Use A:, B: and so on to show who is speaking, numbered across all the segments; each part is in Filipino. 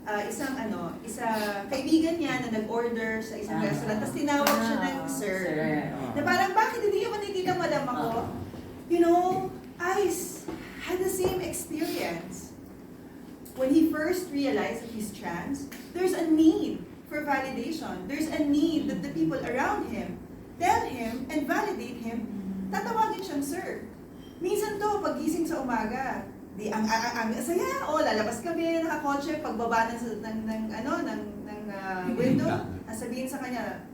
A: isa kaibigan niya na nag-order sa isang restaurant, tapos tinawag siya ng sir. Na parang, bakit hindi ako nakikita madam ako? You know, Ice had the same experience. When he first realized that he's trans, there's a need for validation. There's a need that the people around him tell him and validate him. Tatawagin siyang sir. Minsan to, pagising sa umaga, ang saya, lalabas kami, nakakotse, pagbaba ng window, sabihin sa kanya,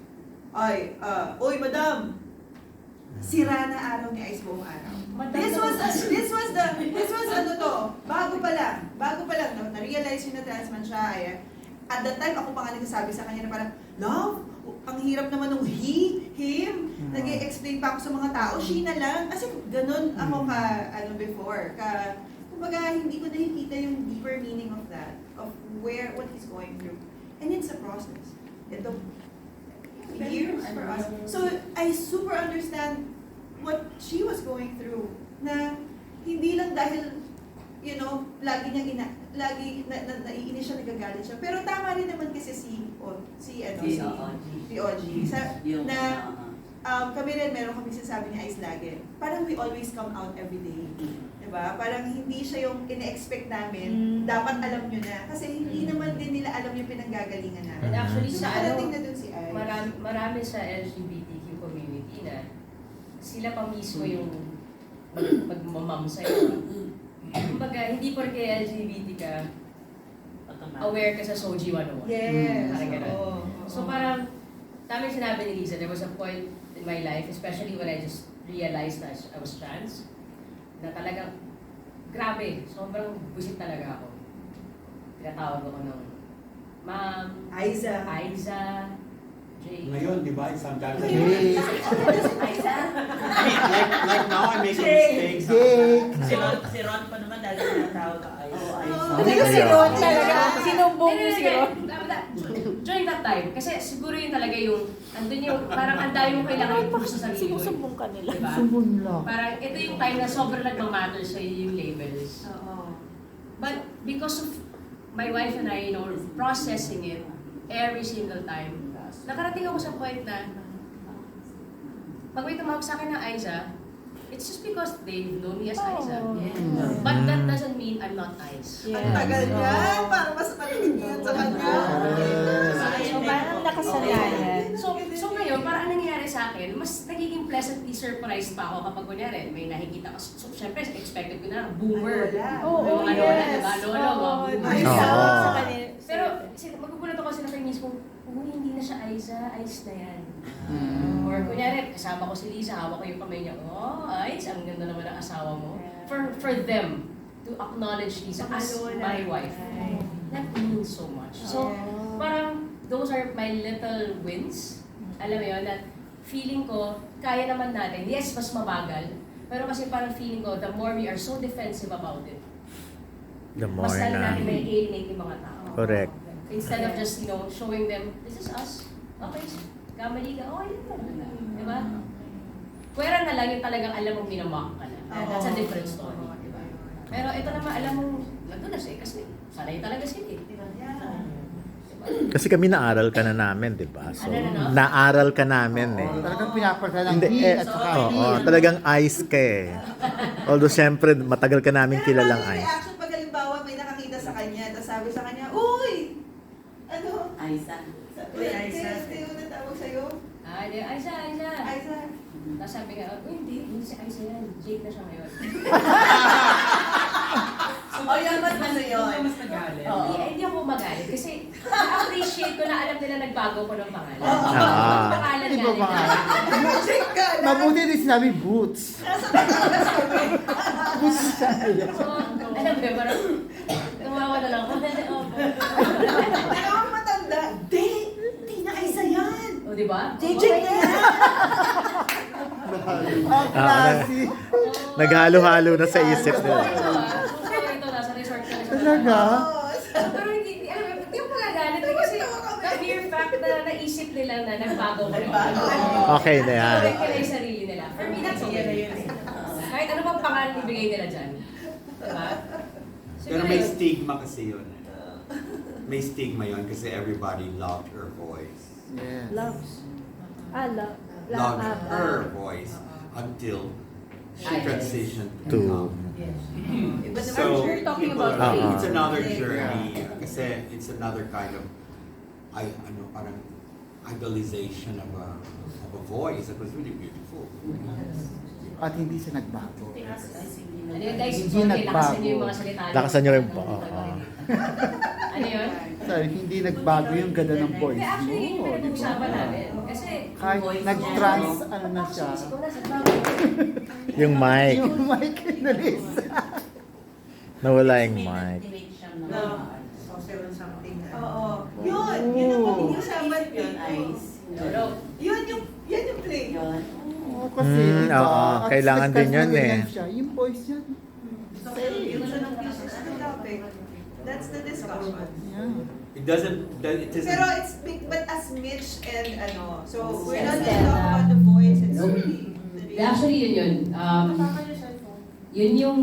A: oy madam, sira na araw ni Ice buong araw. This was bago pa lang, na-realize yun na trans man siya. At that time, ako pa nga nagsasabi sa kanya na parang, love, ang hirap naman nung him, nag-i-explain pa ako sa mga tao, she na lang. Kasi ganun ako before. Kumbaga, hindi ko nakikita yung deeper meaning of that, of what he's going through. And it's a process. It took years for us. So, I super understand what she was going through, na hindi lang dahil, you know, lagi naiinis siya, nagagalit siya. Pero tama rin naman kasi si OG. Kami rin, meron kami sinasabi ni Ice lagi. Parang we always come out every day. Diba? Parang hindi siya yung ina-expect namin, dapat alam nyo na. Kasi hindi naman din nila alam yung pinanggagalingan namin.
B: And actually sa
A: na dun si Ice.
B: marami sa LGBTQ community na sila pa mismo yung magmamam sa'yo. Kumbaga, hindi porke LGBT ka, aware ka sa Soji 101.
A: Yes.
B: Parang ganun. So parang, tama yung sinabi ni Lisa, there was a point in my life, especially when I just realized that I was trans, na talagang, grabe, sobrang busit talaga ako. Tinatawag ako ng Ma'am,
A: Aiza,
B: Jay.
C: Ngayon, di ba, isang gagawin.
B: Aiza?
C: Like now, I'm making mistakes.
D: Si Ron pa naman dahil tinatawag ka ay.
E: Si Ron talaga. Sinumbong niyo si Ron.
B: During that time, kasi siguro yun talaga yung, andun yung, parang ang dami mo kailangan i-push sa sarili mo.
E: Sinusumbong ka nila.
B: Diba? Parang ito yung time na sobrang nagmamatter sa yung labels. But because of my wife and I, you know, processing it every single time, nakarating ako sa point na pag may tumawag sa akin ng Aiza, it's just because they know me as Aiza. But that doesn't mean I'm not Ice.
A: Ang tagal yan, parang mas maliit yan sa kanya.
E: So parang nakasanayan.
B: So ngayon, parang anong nangyayari sa akin, mas nagiging pleasantly surprised pa ako kapag kunyari, may nakikita ko. So syempre, expected ko na, boomer.
E: Oo,
B: Mga lola, diba? Lolo, mga
E: Sa kanila.
B: Pero magugulat ako kasi na kayo mismo, hindi na siya Aiza, Ice na yan. Or kunyari, kasama ko si Lisa, hawak ko yung kamay niya, Ice, ang ganda naman ng asawa mo. For them to acknowledge Lisa as my wife, that means so much. So, parang those are my little wins. Alam mo yun, that feeling ko, kaya naman natin. Yes, mas mabagal. Pero kasi parang feeling ko, the more we are so defensive about it,
F: The more
B: mas lalo
F: na.
B: natin may alienate yung mga tao.
F: Correct.
B: Instead of just, you know, showing them, this is us. Okay, kamali ka. Okay, yun lang. Diba? Pwera na lang yung talagang alam mong minamak ka na. That's a different story. Diba? Pero ito naman, alam mong, nandun na siya kasi sanay talaga sila eh. Diba?
F: Kasi kami naaral ka na namin, di ba? So,
B: Ano?
F: naaral ka namin eh.
C: Talagang pinapasa ng
F: Hindi,
C: heat at saka
F: oo, talagang Ice ka eh. Although syempre, matagal ka namin kilalang
A: Ice.
F: Ice.
A: Reaction pag halimbawa may nakakita sa kanya, tapos sabi sa kanya, uy! Ano?
D: Aiza.
A: Uy, Aiza. Sino na tawag sa'yo?
B: Aiza, Aiza.
A: Aiza.
B: Tapos sabi nga, hindi si Aiza yan. Jake na siya ngayon.
A: Yan, mas ano yun?
D: Mas nagalit.
B: Hindi ako magalit kasi appreciate ko na alam nila nagbago ko ng pangalan.
F: Ah.
B: Pangalan
C: Di
B: nga
C: ba
B: nila.
A: Check ka na.
C: mabuti din sinabi boots. Boots siya.
B: So, alam mo, parang tumawa na lang ako.
A: Pero ang matanda, di na Aiza yan.
B: O, di ba?
A: Check na yan.
C: Ang klase.
F: Naghalo-halo na sa isip nila.
B: So, ito, nasa resort ka na siya.
C: Talaga?
B: Pero hindi, alam mo, hindi ako magagalit eh, kasi the mere fact na naisip nila na nagbago ko.
F: Okay na yan.
B: Correct nila yung sarili nila. For me, that's okay. Kahit ano bang pangalan ibigay nila dyan. Diba?
C: Pero may stigma kasi yun. may stigma yun kasi everybody loved her voice. Yes.
E: Loves. Love.
C: Loved her voice until she
D: Yes.
C: transitioned
F: To
A: Iba naman
C: So,
E: We're talking
C: people
E: about
C: are-
F: faith.
C: it's another
A: Yeah.
C: journey. Kasi it's another kind of, parang idolization of a voice that was really beautiful.
E: Mm-hmm.
C: At
E: At hindi siya nagbago.
B: Ano yun guys?
C: Hindi
B: Okay,
C: nagbago.
B: lakasan niyo yung mga salita niyo.
F: Lakasan niyo rin po.
B: Ano yun?
C: Sorry, hindi nagbago yung ganda ng voice
B: Hindi, actually, yun yung
C: mo. di
B: pinag-uusapan
C: ba?
B: namin. Kasi,
C: Kahit nag-trans, ano na siya.
B: ikaw na sa trabaho.
F: yung mic.
C: Yung mic na Lisa.
F: Nawala yung mic.
A: No. Something. Oo. Yun ang pag-uusapan yun.
B: Tulog.
A: Yan yung play.
C: Oo, kasi diba,
F: Oo,
C: at
F: kailangan din yun
C: nagkasunod
F: eh.
C: Siya, yung voice niya.
A: Yun siya ng pieces ng topic. That's the discussion.
C: Yeah.
G: It doesn't.
A: Pero it's big, but as Mitch and so we're not
B: Yes.
A: just talking about the voice, it's really
B: Actually, yun. Yun yung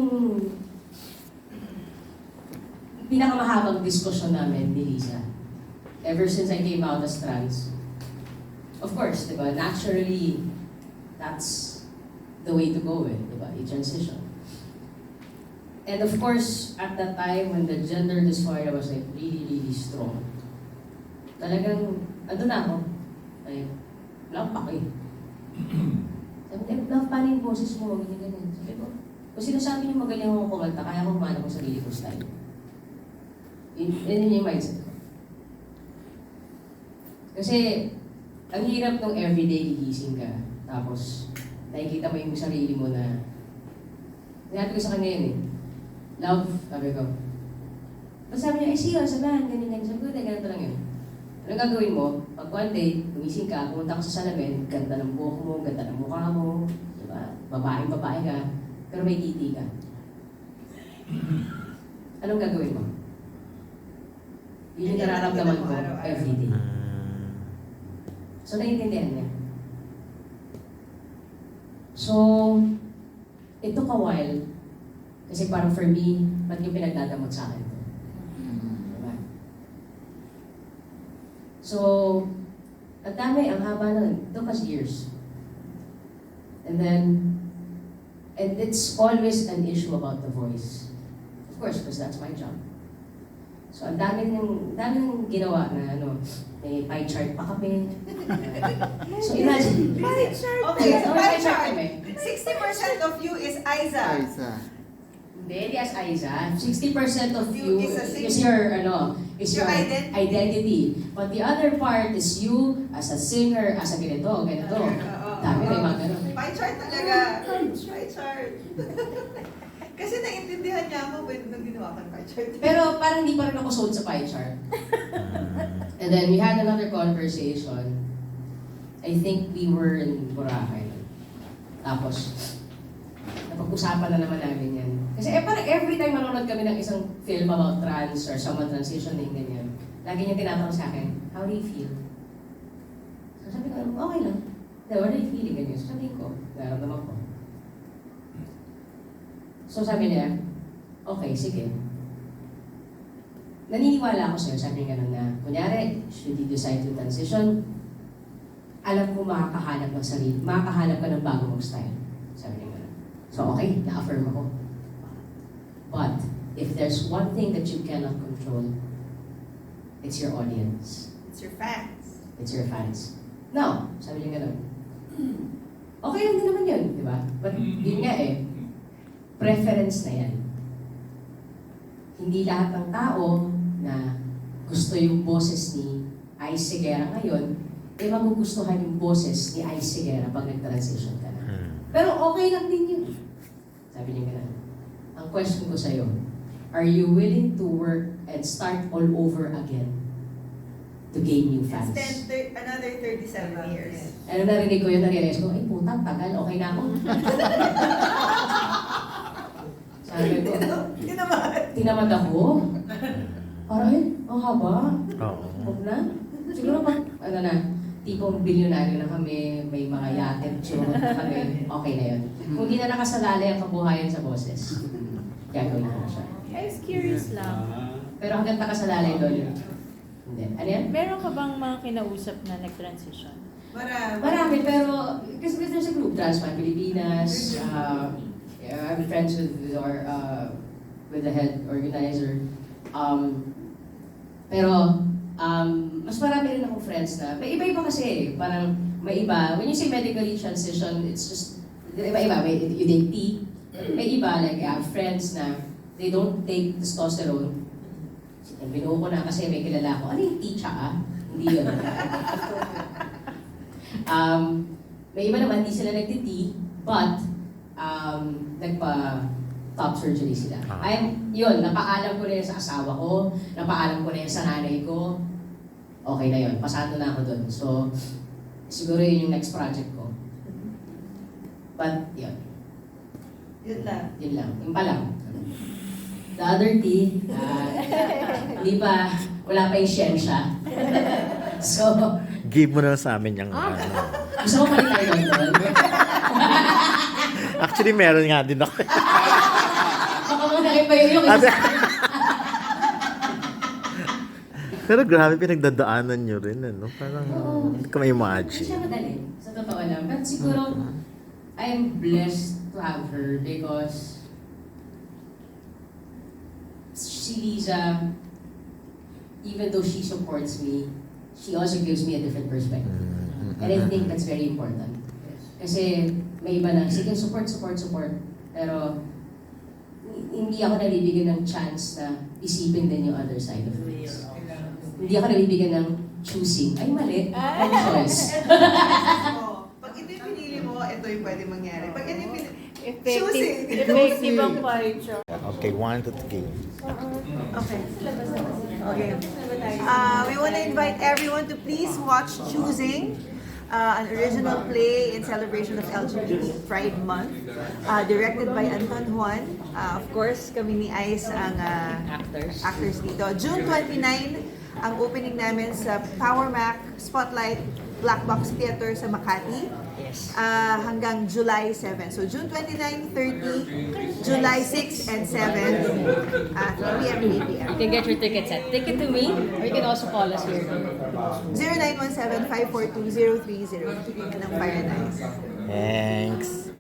B: pinakamahabang diskusyon namin ni Lisa. Ever since I came out as trans. Of course, di ba? Naturally, that's the way to go eh, di ba? I-transition. And of course, at that time when the gender dysphoria was like really, really strong, talagang, ano na ako, like, lampak eh. Sabi ko, love, paano yung boses mo? Ganyan. Sabi ko, kung sinasabi niyo magaling ako kumanta, kaya ko kumanta ko sarili ko style. Yun yung mindset ko. Kasi, ang hirap nung everyday gigising ka, tapos nakikita mo yung sarili mo na, sinabi ko sa kanya yun eh, love, sabi ko. Tapos sabi niya, see you, sabahan, ganyan. Sabi ko, ganito lang yun. Anong gagawin mo? Pag one day, gumising ka, pumunta ka sa salamin, ganda ng buhok mo, ganda ng mukha mo, diba? Babae ka, pero may titi ka. Anong gagawin mo? Yun yung nararamdaman ko everyday. So, naiintindihan niya. So, it took a while. Kasi parang for me, ba't yung pinagdadamot sa akin to? Diba? So, ang dami, ang haba nun. It took us years. And it's always an issue about the voice. Of course, because that's my job. So, ang dami nang ginawa na may pie chart pa kami. So, imagine.
A: Okay, so pie chart. 60% of you is Aiza.
C: Isa.
B: Hindi as Aiza. 60% of you
A: Is a
B: is your
A: Your identity.
B: identity. But the other part is you as a singer, as a ganito. Dami may mga ganun.
A: Pie chart talaga. Pie chart. Kasi naiintindihan niya ako nung ginawa ko ng pie chart.
B: Pero parang hindi pa rin ako sold sa pie chart. And then we had another conversation. I think we were in Boracay. Tapos, napag-usapan na naman namin yan. Kasi parang every time manonood kami ng isang film about trans or someone transitioning, ganyan, lagi niya tinatanong sa akin, how do you feel? So sabi ko, okay lang. What are you feeling? Ganyan. So sabi ko, nararamdaman ko. So sabi niya, okay, sige. Naniniwala ako sa'yo, sabi niya ganun na, kunyari, should you decide to transition, alam ko makakahanap ng sarili, makakahanap ka ng bago mong style. Sabi niya ganun. So okay, na-affirm ako. But, if there's one thing that you cannot control, it's your audience.
A: It's your fans.
B: It's your fans. No, sabi niya ganun. Okay lang din naman yun, di ba? But yun nga eh, preference na yan. Hindi lahat ng tao na gusto yung boses ni Ice Segura ngayon, eh magugustuhan yung boses ni Ice Segura pag nag-transition ka na. Pero okay lang din yun. Sabi niya ganun. Ang question ko sa'yo, are you willing to work and start all over again to gain new fans?
A: Another 37 years.
B: Ano narinig ko yun, na-realize ko, ay puta, tagal, okay na ako. Sabi ko, tinamad ako. Parang, ang haba.
F: Oo.
B: Huwag na. Siguro pa, tipong bilyonaryo na kami, may mga yacht tour na kami, okay na yun. Kung di na nakasalali ang kabuhayan sa boses, gagawin ko na siya.
E: I was curious lang.
B: Pero hanggang nakasalalay doon, hindi. Ano yan?
E: Meron ka bang mga kinausap na nag-transition?
B: Marami, pero kasi there's a group, Transman Pilipinas, yeah, I'm friends with our, with the head organizer. Pero, mas marami rin akong friends na, may iba-iba kasi, parang may iba, when you say medically transition, it's just, iba-iba, you take tea, may iba, like I have friends na, they don't take testosterone. Binuo ko na kasi may kilala ko, ano yung tea tsaka? Hindi yun. May iba naman, hindi sila nagtiti, but nagpa-top surgery sila. Yun, napaalam ko na yun sa asawa ko, napaalam ko na yun sa nanay ko. Okay na yun, pasado na ako dun. So, siguro yun yung next project ko. But, yun.
A: Yun lang.
B: Yun lang, yun pa lang. The other tea, hindi pa, wala pa yung siyensya. So,
F: Give mo na lang sa amin yung ano.
B: gusto mo pa rin tayo doon?
F: Actually, meron nga din ako.
B: Baka mo na iba yung
F: Pero grabe, pinagdadaanan nyo rin, ano? Parang, hindi ko may
B: Hindi
F: imagine.
B: siya madali, sa totoo lang. But siguro, I'm blessed to have her because si Liza, even though she supports me, she also gives me a different perspective. And I think that's very important. Kasi may iba na, sige, support. Pero hindi ako nabibigyan ng chance na isipin din yung other side of things. Hindi ako nabibigyan ng choosing. Ay, mali. Ang choice.
A: Pag ito yung pinili mo, ito yung pwede mangyari. Pag ito yung pinili,
E: Effective ang paricho.
F: Okay, 1 to 3.
A: Okay. We want to invite everyone to please watch Choosing, an original play in celebration of LGBT Pride Month, directed by Anton Juan. Of course, kami ni Ice ang actors dito. June 29, ang opening namin sa Power Mac Spotlight Black Box Theater sa Makati. Hanggang July 7. So June 29, 30, July 6 and 7, 3 p.m. and 8 p.m.
B: You can get your tickets at Ticket to Me, or you can also call us here.
A: 0917-542-0302 ng Fire and Ice.
F: Thanks.